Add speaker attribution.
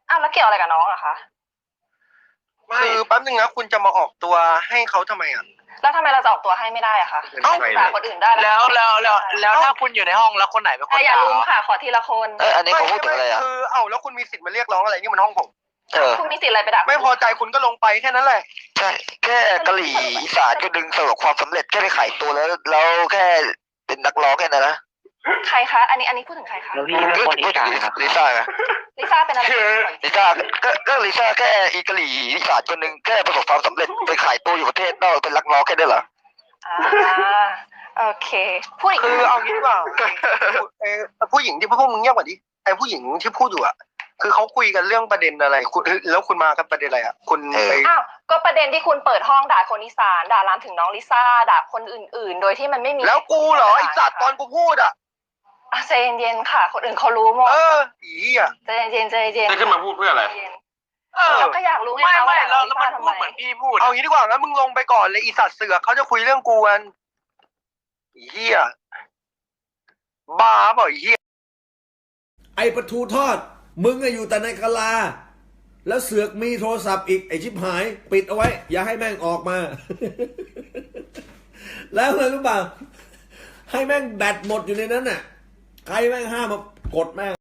Speaker 1: อ้าวแล้วเกี่ยวอะไรกับน้องอะคะ
Speaker 2: คือแป๊บนึงนะคุณจะมาออกตัวให้เขาทำไมอ่ะ
Speaker 1: แล้วทำไมเราจะออกตัวให้ไม่ได้อะคะด่าคนอื่นได้
Speaker 3: แล้วถ้าคุณอยู่ในห้องแล้วคนไหนเป็นคน
Speaker 1: อย่า
Speaker 3: ด่า
Speaker 1: ลุมค่ะขอทีละคน
Speaker 4: อันนี้เขาพูดถึงอะไรอ่ะ
Speaker 2: คือแล้วคุณมีสิทธิ์มาเรียกร้องอะไรนี่มันห้องผม
Speaker 1: คุณมีสิทธิ์อะไรไปด่า
Speaker 2: ไม่พอใจคุณก็ลงไปแค่นั้นแหละ
Speaker 4: ใช่แค่กะหรี่อีสานก็ดึงประสบความสำเร็จแค่ไปขายตัวแล้วแค่เป็นนักร้องแค่นั้นนะ
Speaker 1: ใครคะอันนี้พูดถึงใครคะ
Speaker 3: แล้วพี่เป็นคนอีสานครับ
Speaker 4: ลิซ่าไง
Speaker 1: ลิซ่าเป็นอะไร
Speaker 4: ลิซ่าก็ลิซ่าแค่อีกะหรี่อีสานคนหนึ่งแค่ประสบความสำเร็จไปขายตัวอยู่ประเทศนอกเป็นนักร้องแค่นั้นเหรอ
Speaker 1: โอเคพูดอีก
Speaker 2: คือเอางี้ดีกว่าผู้หญิงที่พวกมึงเงียบกว่าดิไอ้ผู้หญิงที่พูดอยู่อ่ะคือเขาคุยกันเรื่องประเด็นอะไรคุณแล้วคุณมากันประเด็นอะไรอ่ะคุณไป
Speaker 1: ก็ประเด็นที่คุณเปิดห้องด่าคนอีสานด่าลามถึงน้องลิซ่าด่าคนอื่นๆ โดยที่มันไม่มี
Speaker 2: แล้วกูเหรอไอ้สัตว์ตอนกูพูดอ่ะ
Speaker 1: ใจเย็นๆค่ะคนอื่นเขารู้หมด
Speaker 2: อีอ่ะ
Speaker 1: ใจเย็นๆ
Speaker 5: จะขึ้นมาพูดเพื่ออะไร
Speaker 1: เราก็อยากรู้ไง
Speaker 3: ไม่
Speaker 1: ว่า
Speaker 3: แล้วมันพูดเหมือนพี่พูด
Speaker 2: เอางี้ดีกว่างั้นมึงลงไปก่อนเลยอีสัตว์เสือกเขาจะคุยเรื่องกูกันอีเหี้ยบ้าเปล่าอีเหี้ย
Speaker 6: ไอปลาทูทอดมึงอะอยู่แต่ในกะลา แล้วเสือกมีโทรศัพท์อีกไอชิบหาย ปิดเอาไว้ อย่าให้แม่งออกมา แล้วเลยรู้เปล่าให้แม่งแบตหมดอยู่ในนั้นน่ะใครแม่งห้ามมากดแม่ง